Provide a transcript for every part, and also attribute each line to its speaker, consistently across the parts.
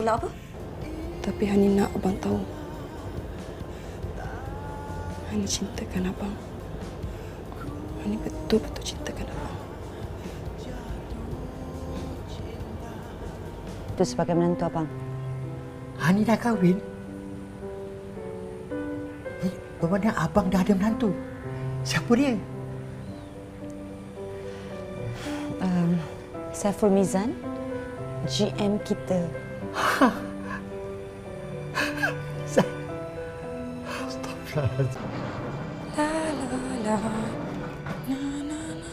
Speaker 1: nak apa?
Speaker 2: Tapi Hani nak abang tahu. Hani cintakan abang. Hani betul-betul cintakan abang.
Speaker 3: Itu sebagai menantu abang.
Speaker 4: Hani dah kahwin? Bermakna abang dah ada menantu. Siapa dia?
Speaker 3: Saiful Mizan, GM kita.
Speaker 4: Astagfirullahaladzim.
Speaker 2: La la la. Na na na.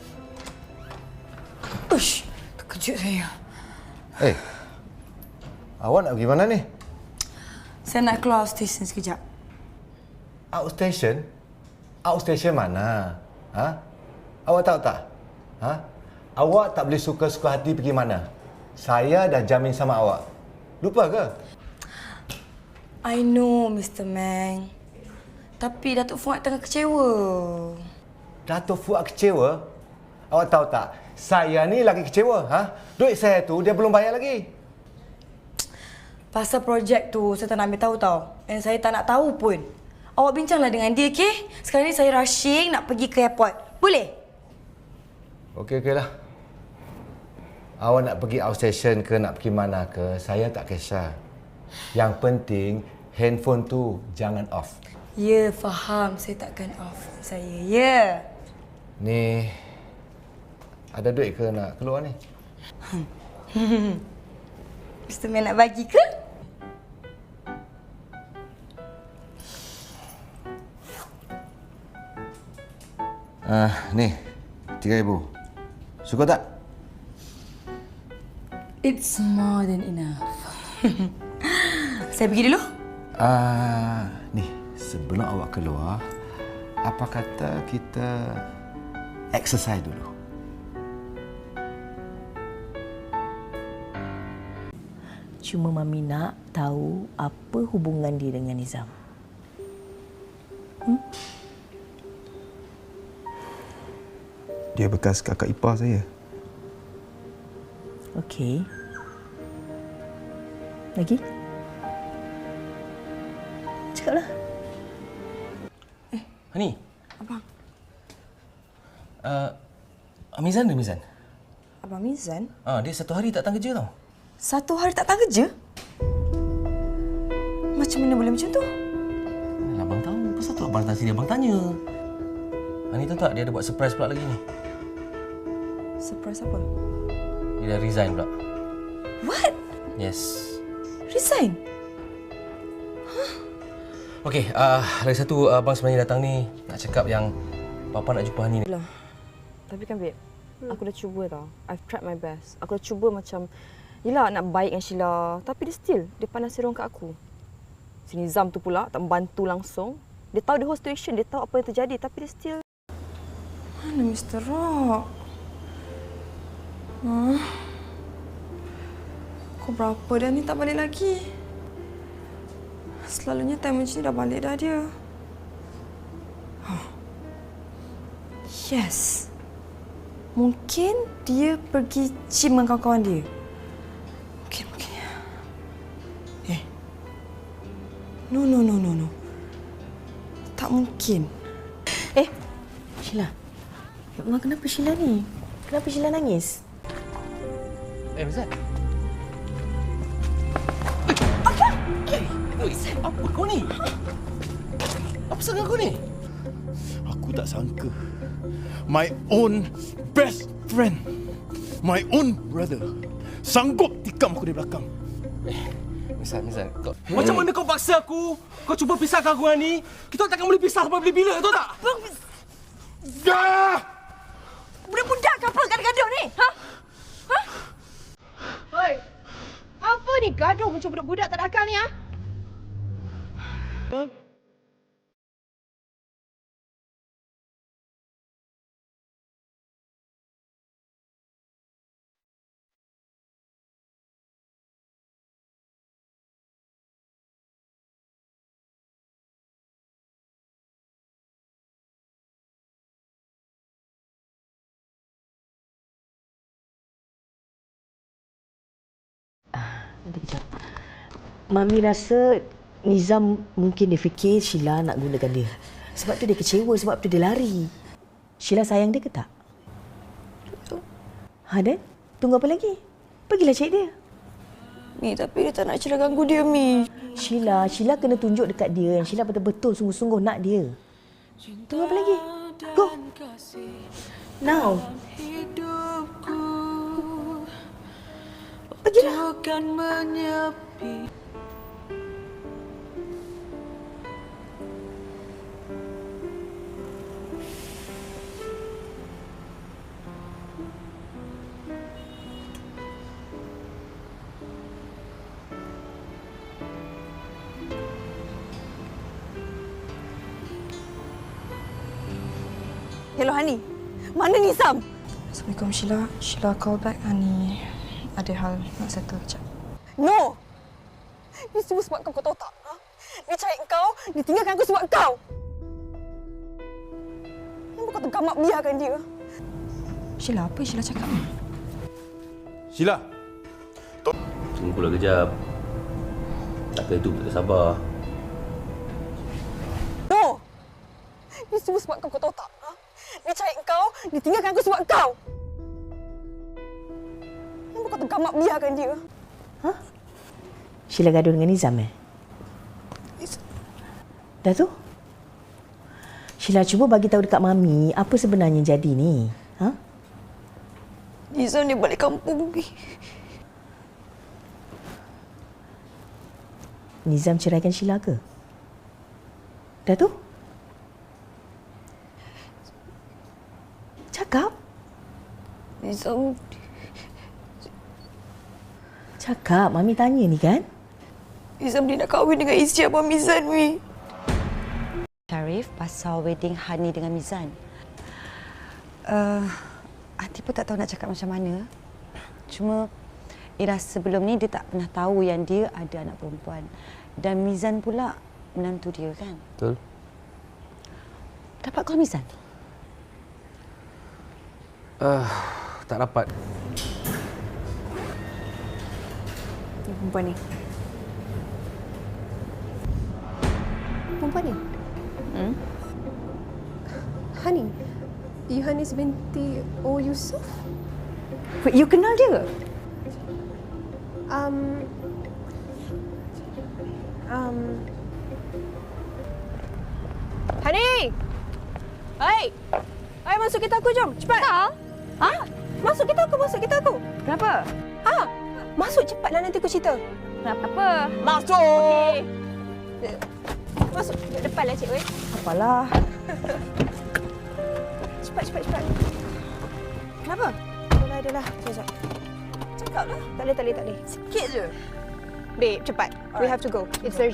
Speaker 2: Ush, terkejut saya.
Speaker 5: Awak nak pergi mana ni?
Speaker 2: Saya nak keluar stesen sekejap.
Speaker 5: Outstation? Outstation mana? Ha? Awak tahu tak? Ha? Awak tak boleh suka-suka hati pergi mana. Saya dah jamin sama awak. Lupa ke?
Speaker 2: I know, Mr. Meng. Tapi Datuk Fuad tengah kecewa.
Speaker 5: Datuk Fuad kecewa? Awak tahu tak? Saya ni lagi kecewa. Ha? Duit saya tu dia belum bayar lagi.
Speaker 2: Pasal projek tu saya tak nak ambil tahu tau. Dan saya tak nak tahu pun. Awak bincanglah dengan dia, okey? Sekarang ni saya rushing nak pergi ke airport. Boleh?
Speaker 5: Okeylah. Awak nak pergi outstation ke nak pergi mana ke, saya tak kisah. Yang penting handphone tu jangan off.
Speaker 2: Ya, faham. Saya takkan off saya. Ya.
Speaker 5: Ni ada duit ke nak keluar ni?
Speaker 2: Mr. Meng nak bagi ke?
Speaker 5: Ni 3,000. Suka tak?
Speaker 2: It's more than enough. Saya pergi dulu.
Speaker 5: Ni sebelum awak keluar, apa kata kita exercise dulu?
Speaker 1: Cuma Mami nak tahu apa hubungan dia dengan Nizam.
Speaker 6: Dia bekas kakak ipar saya.
Speaker 1: Okey. Lagi? Cakaplah.
Speaker 7: Hani.
Speaker 2: Abang.
Speaker 7: Mizan dia, Mizan.
Speaker 2: Abang Mizan?
Speaker 7: Dia satu hari tak datang kerja tau.
Speaker 2: Satu hari tak datang kerja? Macam mana boleh macam tu?
Speaker 7: Abang tahu. Pasal tu abang datang sini, abang tanya. Hani tahu tak dia ada buat surprise pula lagi ni.
Speaker 2: Surprise apa?
Speaker 7: Dia dah resign pula.
Speaker 2: What?
Speaker 7: Yes.
Speaker 2: Resign?
Speaker 7: Okey, lagi satu abang sebenarnya datang ni nak cakap yang Papa nak jumpa Hani ni.
Speaker 8: Lah. Tapi kan babe, aku dah cuba tau. I've tried my best. Aku dah cuba macam yelah nak baik dengan Sheila, tapi dia pandang serong kat aku. Si Nizam tu pula tak membantu langsung. Dia tahu the whole situation, dia tahu apa yang terjadi, tapi dia still.
Speaker 2: Mana Mr. Rock? Kau berapa dah ni tak balik lagi? Selalunya time macam ni dah balik dah dia. Yes. Mungkin dia pergi gym dengan kawan-kawan dia. Mungkin. No. Tak mungkin.
Speaker 1: Sheila. Ya Allah, kenapa Sheila ni? Kenapa Sheila nangis?
Speaker 7: Mizan. Apa kau ni? Apa sangat kau ni?
Speaker 6: Aku tak sangka. My own best friend, my own brother, sanggup tikam aku dari belakang.
Speaker 7: Mizan, kau...
Speaker 9: Macam mana kau paksa aku? Kau cuba pisahkan aku dengan ni? Kita takkan boleh pisah sampai bila-bila, tahu tak?
Speaker 6: Dah!
Speaker 1: Budak-budak ke apa gaduh-gaduh ni? Ha?
Speaker 10: Hoi, apa ni gaduh macam budak-budak tak ada akal ni, ha?
Speaker 1: Nanti kejap. Mami rasa Nizam mungkin dia fikir Sheila nak gunakan dia. Sebab tu dia kecewa, sebab tu dia lari. Sheila sayang dia ke tak? Dan? Tunggu apa lagi? Pergilah cari dia.
Speaker 2: Mi, tapi dia tak nak Sheila ganggu dia, Mi.
Speaker 1: Sheila kena tunjuk dekat dia yang Sheila betul-betul sungguh-sungguh nak dia. Tunggu apa lagi? Go. Now. Pergilah.
Speaker 8: Hello, Hani. Mana Nizam?
Speaker 2: Assalamualaikum, Sheila. Sheila call back, Hani. Ada hal nak settle kejap.
Speaker 8: No! Ini semua sebab kau tahu tak? Ha? Dia cari kau, dia tinggalkan aku sebab kau. Kenapa kau tergamak biarkan dia?
Speaker 2: Sheila, apa Sheila cakap ni?
Speaker 6: Sheila.
Speaker 7: Tunggulah kejap. Takkan itu tak sabar.
Speaker 8: No! Ini semua sebab kau tahu tak? Ha? Dia cari kau, dia tinggalkan aku sebab kau. Kenapa kau tergamak biarkan dia?
Speaker 1: Sheila gaduh dengan Nizam Dah tu? Sheila cuba bagi tahu dekat Mami apa sebenarnya jadi ni.
Speaker 2: Nizam dia balik kampung ni.
Speaker 1: Nizam ceraikan Sheila ke? Dah tu? Cakap.
Speaker 2: Nizam...
Speaker 1: Cakap, Mami tanya ni kan?
Speaker 2: Nizam dia nak kahwin dengan isteri Abang Mizan, Mi.
Speaker 3: Sharif, pasal wedding Hani dengan Mizan. Aunty pun tak tahu nak cakap macam mana. Cuma Ira sebelum ni dia tak pernah tahu yang dia ada anak perempuan. Dan Mizan pula menantu dia kan?
Speaker 7: Betul.
Speaker 3: Dapat call Mizan?
Speaker 7: Tak dapat.
Speaker 8: Perempuan ni.
Speaker 10: Perempuan ni? Hani, Yohanis binti O. Yusuf?
Speaker 8: Wait, you kenal dia? Hani! Hai! Hai, masuk kereta aku, jom. Cepat. Ha? Masuk kereta aku. Kenapa? Masuk cepatlah, nanti aku cerita. Kenapa? Masuk! Okey. Masuk. Depanlah, cik. Apalah. Cepat. Kenapa? Adalah. Sekejap. Cakap dah. Tak boleh. Sikit je. Babe, cepat. We have to go. It's urgent.